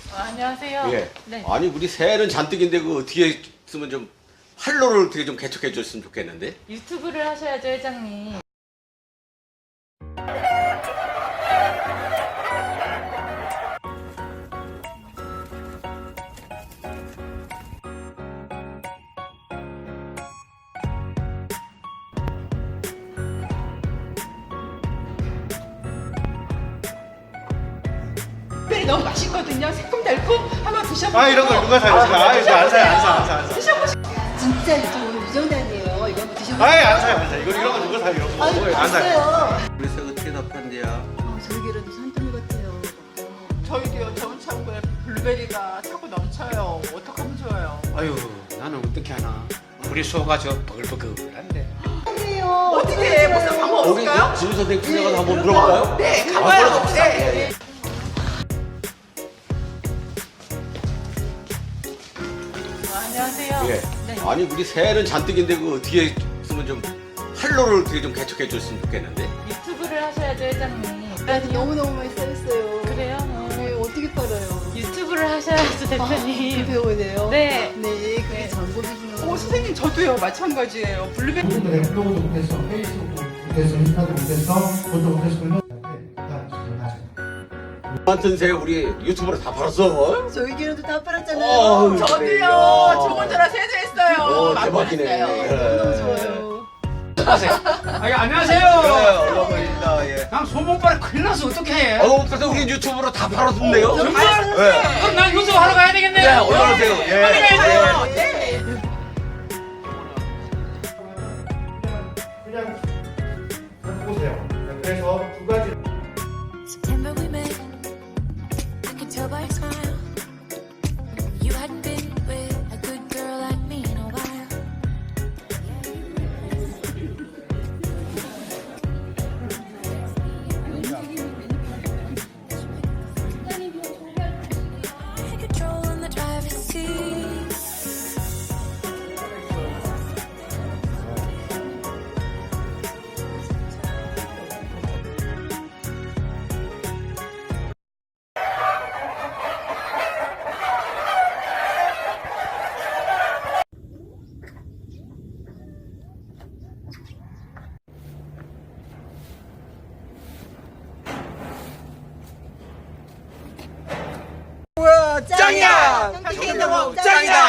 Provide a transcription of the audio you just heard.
안녕하세요. 예. 네. 아니 우리 새해는 잔뜩인데 그 뒤에 쓰면 좀 활로를 어떻게 좀 개척해 줬으면 좋겠는데. 유튜브를 하셔야죠, 회장님. 특별히 너무 맛있거든요. 새콤달콤 한번 드셔보세요. 아, 이런 걸 누가 사요? 이거 안 사요, 안 사. 드셔보세요. 진짜 저 오늘 유정단이에요. 이거 한번 드셔보세요. 아이, 안 사요, 안 사요. 이런 거 누가 사요? 이런 거. 아유, 안 사요. 봤어요. 우리 새 어떻게 답한대야? 저희기라도 산더미 같아요. 저희도요. 저번 창고에 블루베리가 차고 넘쳐요. 어떡하면 좋아요. 아유, 나는 어떻게 하나. 우리 소가 저 버글버글한데. 아니에요. 어떻게 해? 무슨 방법 우리 없을까요? 진 선생 분야가 한번 물어볼까요? 네, 가봐요. 봅시다. 네. 안녕하세요. 예. 네. 아니 우리 새해는 잔뜩인데 그 뒤에 쓰면 좀 활로를 어떻게 좀 개척해 줬으면 좋겠는데. 유튜브를 하셔야죠, 회장님. 나한테 너무너무 많이 쌓였어요. 그래요? 네, 어떻게 팔아요? 유튜브를 하셔야죠, 대표님. 배워야 네. 네, 그게 전공이구나. 선생님 저도요. 마찬가지예요. 블루베리. 네, 블로그도 못해서 페이스북도 못해서 인스타도 못해서 그것도 못해서 같은 새 우리 유튜브로 다 팔았어. 저희기라도 다 팔았잖아요. 어, 저도요. 그래요. 좋은 전화 세제했어요. 대박이네. 너무 좋아요. 안녕하세요. 얼마만입니다. 예. 난 소문빨에 큰일 나서 어떻게 해? 그래서 우리 유튜브로 다 팔았는데요. 정말? 네. 그럼 난 유튜브 하러 가야 되겠네. 네, 얼마나 세요? 예. 맞아요. 네. 그냥 보세요. 그래서 두 가지. September we met. I could tell by your smile. You hadn't been with a good girl like me in a while. Had control in the driver's seat. 짱이야! 짱이다. 짱이다!